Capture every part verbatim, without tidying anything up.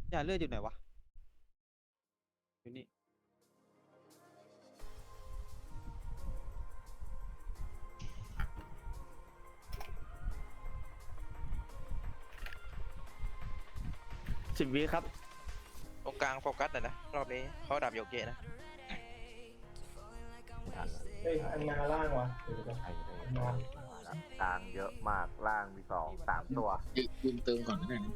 ยาเลือดอยู่ไหนวะอยู่นี่สิบวิครับตรงกลางโฟกัสหน่อยนะรอบนี้เขาดับโยเกะนะเฮ้ยอันนาล่างวะเดี๋ยวจะใช่เลยมากลางเยอะมากล่างมีสองสามตัวยืนเติมก่อนก็ได้นะ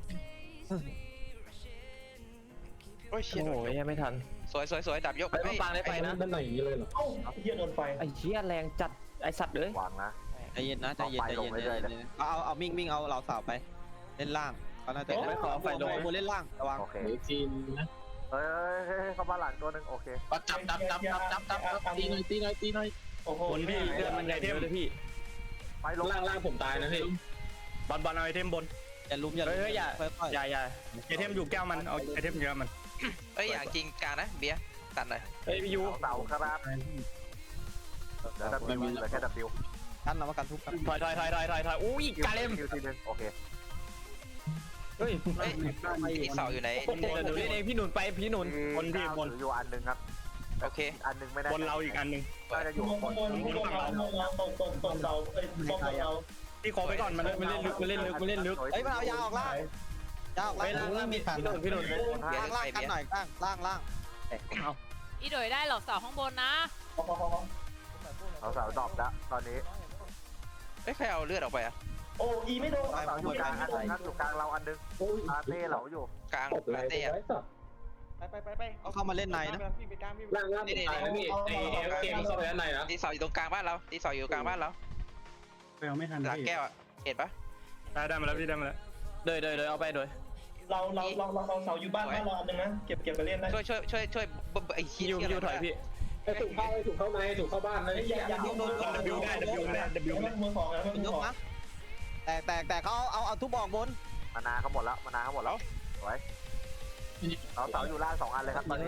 โอ้ยเชี่ยโอ้โดโหนยกยังไม่ทันสวยสวยสวยดับยกไปมาปางได้ไปนะด้านไหนอย่างนี้เลยเหรอเอ้าเฮียโดนไฟไอ้เชี่ยแรงจัดไอ้สัตว์เลยวางนะใจเย็นนะใจเย็นใจเย็นเอาไฟลงใจเรื่อยๆเย็นเอาเอาเอามิ่งมิ่งเอาเราสาวไปเล่นล่างเขาน่าจะไม่ขอไฟลงบนเล่นล่างระวังโอเคเดี๋ยวจีนนะเฮ้ยเฮ้ยเฮ้ยเข้ามาหลังตัวหนึ่งโอเคปัดจับจับจับจับจับจับจับตีหน่อยตีหน่อยตีหน่อยโอ้โหบนพี่เลือดมันใหญ่เทมเลยพี่ไปลงล่างล่างผมตายนะพี่บอลบอลเอาไอเทมบนอย่าลุมอย่าลุมเฮ้ยอย่าค่อยอย่าอย่าไอเทมอยู่แก้วมันเอาไอเทมเยอะมันเอ้ยอย่างจริงกลางนะเบียร์ตัดหน่อยเฮ้ยพี่ยูเสาครับเดี๋ยวดับบิวเหลือแค่ดับบิวๆกันเรามากันทุกกันถอยถอยถอยถอยถอยถอยอุ้ยกาเลมคิวทีนึงโอเคเฮ้ยเฮ้ยอีเสาอยู่ไหนเดี๋ยวหนูเล่นเองพี่หนุนไปพี่หนุนบนพี่บนอยู่อันหนึ่งครับโอเคอันหนึ่งไม่ได้บนเราอีกอันหนึ่งน่าจะอยู่ข้างบนข้างบนข้างบนเราเราตรงตรงตรงเราเอ้ยตรงเราพี่ขอไปก่อนมันมันเล่นลึกมันเล่นลึกมันเล่นลึกเฮ้ยมันเอายาออกล่างยาออกล่างเฮ้ยล่างล่างมีพี่หนุนพี่หนุนล่างล่างกันหน่อยล่างล่างล่างอีโดยได้เหรอเสาข้างบนนะพอพอพอเสาเสาดรอปละตอนนี้เอ้ยใครเอาเลือดออกไปอะโอ้อีไม่โดนเสาอยู่กลางอันหนึ่งครับอยู่กลางเราอันหนึ่งอาเต้เหลาอยู่กลางลาเต้อะไปไปไปไปเอาเข้ามาเล่นในนะล่างล่างผมตายนะพี่ไอเอฟเกมเข้าไปด้านในนะตีเสาอยู่ตรงกลางบ้านเราตีเสาอยู่กลางบ้านเราไปเอาไม่ทันหลังพี่แก้วอะเห็นปะได้ได้มาแล้วพี่ได้มาแล้วเดยเดยเดยเอาไปเดยเราเราเราเราเราเสาอยู่บ้านบ้านเราอันนึงนะเก็บเก็บไปเล่นได้ช่วยช่วยช่วยช่วยไอ้ขี้พี่ยูพี่ยูถอยพี่ไอถูกเข้าไอถูกเข้าในถูกเข้าบ้านเลยอย่าอย่าโดนดับบิวได้ดับบิวได้ดับบิวมันมือของนะมันเป็นมืยอก ของนะแตกแตกแตกเขาเอาเอาเอาทุบออกบนมานาเขาหมดแล้วมานาเขาหมดแล้วสวยเราเสาอยู่ล่างสองอันเลยครับตอนนี้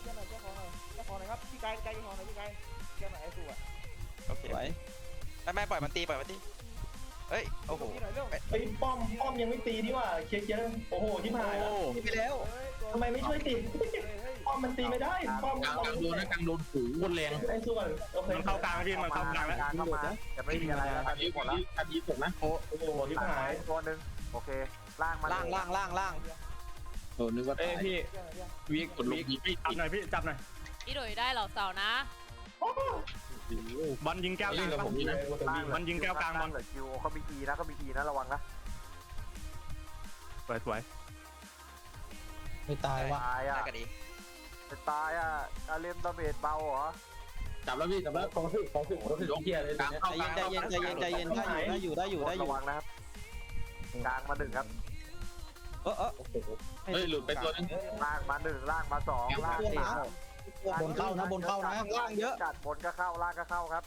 โอเคสวยไม่ไม่ปล่อยมันตีปล่อยมันตีเฮ้ยโอ้โหไอ้ป้อมป้อมยังไม่ตีนี่ว่าเคลียร์เคลียร์โอ้โหที่ผ่านโอ้นี่ไปแล้วทำไมไม่ช่วยติดป้อมมันตีไม่ได้ป้อมกลางกลางโดนนะกลางโดนหูบนแรงไอ้ส่วนโอเคมันเข้ากลางพี่มันเข้ากลางแล้วเข้ามาจะไม่มีอะไรแล้วตอัอน นนี้นี้หหมมดดแล้แล้ว วอันนี้ผมนะโอ้โหที่ผ่านตัวหนึ่งโอเคล่างมาล่างล่างล่างล่างโดนนึกว่าเอ้ยตายพี่วิกกดลงวิกยิงไม่จับติดหน่อยพี่จับหน่อยอีโดยได้เหรอเสานะบอลยิงแก้วกเล่ลาน งกับผมนี่นะมันยิงแก้วกลางบอลเหลือคิวเขามีอีนะเขามีอีนะระวังนะสวยสวยไม่ตายว่ะตายอ่ะได้ก็ดีจะตายอ่ะอาเลมดาเมจเบาเหรอจับแล้วพี่จับแล้วของถึกของถึกของถึกเกียร์เลยใจเย็นใจเย็นใจเย็นใจเย็นได้อยู่ได้อยู่ได้อยู่ได้อยู่ระวังนะครับกลางมาหนึ่งครับเออเออเฮ้ยหลุดไปตัวนึงล่างมาหนึ่งล่างมาสองล่างสี่บนเข้านะบนเข้านะล่างเยอะจัดบนก็เข้าล่างก็เข้าครับ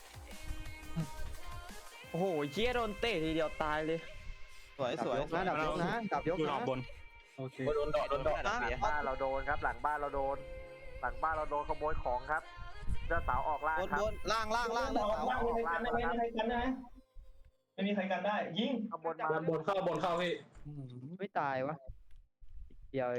โอ้โหเชี่ยโดนเตะทีเดียวตายเลยสวยสวยนะดับยกนะดับยกดูนะออกบนโอเคโดนดอกโดนดอกนะบ้านเราโดนครับ หลังบ้านเราโดน หลังบ้านเราโดนขโมยของครับเจ้าสาวออกล่างบนครับบนล่างล่างล่างล่าล่าง งล่างไม่มีใครกันได้ไม่มีใครกันได้ไม่มีใครกันได้ยิงข้างบนบนบนเข้าบนเข้าพี่ไม่ตายวะเดียว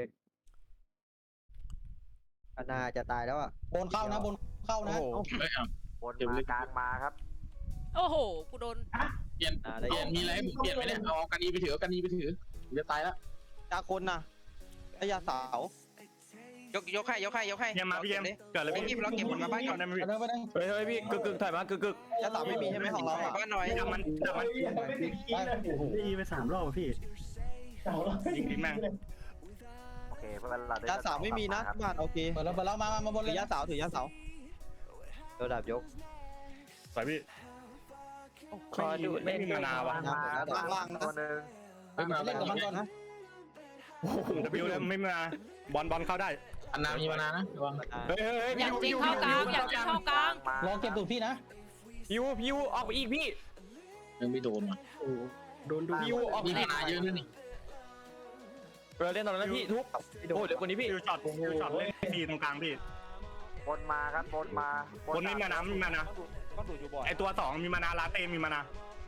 อนาจะตายแล้วอ่ะบนเข้านะบนเข้านะไม่เอาบนมากลางมาครับโอ้โห กูโดนเปลี่ยนเปลี่ยนมีอะไรให้ผมเปลี่ยนไหมเนี่ยเอากันนีไปถือกันนีไปถือจะตายแล้วยาคนนะไอ้ยาสาวยกยกให้ยกให้ยกให้เยี่ยมมาพี่เยี่ยมเกิดอะไรไอ้พี่ที่เราเก็บบนมาบ้านก่อนได้ไหมพี่ไปไปเฮ้ยเฮ้ยพี่กึกกึกถอยมากึกกึกยาสาวไม่มีใช่ไหมของเราบ้านหน่อยจับมันจับมันไม่ติดขี้เลยได้ไปสามรอบพี่เสาเรายิงทิ้งแม่งโอเคเพื่อนเราได้ยาสาวไม่มีนะบ้านโอเคเปิดแล้วเปิดแล้วมามามาบนเลยยาสาวถือยาสาวโดนดับยกสวยพี่คอยดูไม่มีมานาวะมาตัวหนึ่งเฮ้ยมาเล่นกับมันก่อนนะดับบิวเลยไม่มาบอลบอลเข้าได้อันนามีมานานะระวังเฮ้ยเฮ้ยอยากจริงเข้ากลางอยากจริงเข้ากลางลองเก็บตูดพี่นะพิวพิวออกไปอีกพี่ยังไม่โดนว่ะโดนดูพิวออกไปมีอีกมานาเยอะนะนี่เราเล่นตอนนั้นพี่ทุบโอ้เดี๋ยวคนนี้พี่ฟิวช็อตฟิวช็อตเล่นพีตรงกลางพี่บนมาครับบนมาบนไม่มานะไม่มานะต้องดูดอยู่บ่อยไอตัวสองมีมานาลาเต้มีมานาโ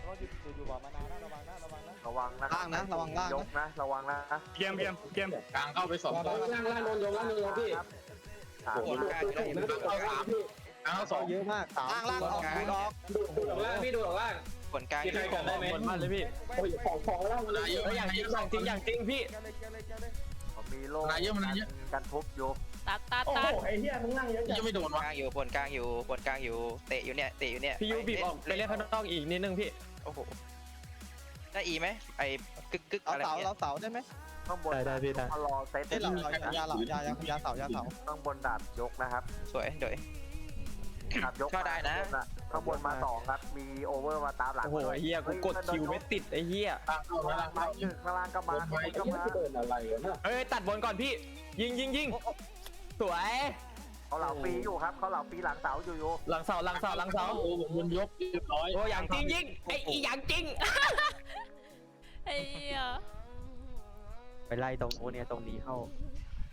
เขาอยู่อยู่บ่อมานานนะระวังนะระวังนะระวังนะล่างนะระวังล่างยนะกนะระวังนะเกมเกมเกมกลางเข้าไปสองตัวล่างล่างโดนยกล่างโดนยกพี่สามโอ้โหกลางได้นะเข้าสามพี่กลางเข้าสองเยอะมากล่างล่างออกดูดอกดูดูออกล่างพี่ดูออกล่างผลกลางพี่ใครกันได้ไหมบนบ้านเลยพี่โอ้ยของของล่างมันนายเยอะเฮ้ยอย่างจริงอย่างจริงอย่างจริงพี่ผมมีโล่นายเยอะมันนายเยอะกันทุบอยู่ตัดตัดโอ้ตัดโหไอ้เหี้ยมึงนั่งเยอะจังยังไม่โดนกวะลางอยู่ผลกลางอยู่ผลกลางอยู่เตะอยู่เนี่ยเตะอยู่เนี่ยพี่ยูบีบออกไปเล่นข้างนอกอีกนิดนึงพี่โอ้โหได้อีไหมไอ้กึกกึกเอาอะไรเสาเนี่ยเราเสาได้ไหมข้างบนได้ได้พี่ได้มารอเซตเอ้ยเราเรายาเหล่ายายายาเสายาเสาข้างบนดาบยกนะครับสวยเดยดาบยกเข้าได้นะข้างบนมาสองครับมีโอเวอร์มาตามหลังโอ้โหไอ้เหี้ยกูกดคิวไม่ติดไอ้เหี้ยกลางเข้าไปข้างล่างล่างข้างล่างก็มาข้างบนก็มาเดินอะไรนะเฮ้ยตัดบนก่อนพี่ ยิงยิงยิงสวยเขาเหล่าปีอยู่ครับเขาเหล่าปีหลังเสาอยู่อยู่หลังเสาหลังเสาหลังเสาโอ้ผมบนยกเรียบร้อยโอ้อย่างจริงยิงไอ้อีอย่างจริงไอ้เหี้ยไปไล่ตรงโอเนี่ยตรงนี้เข้า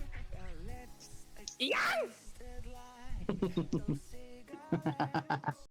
อีหยัง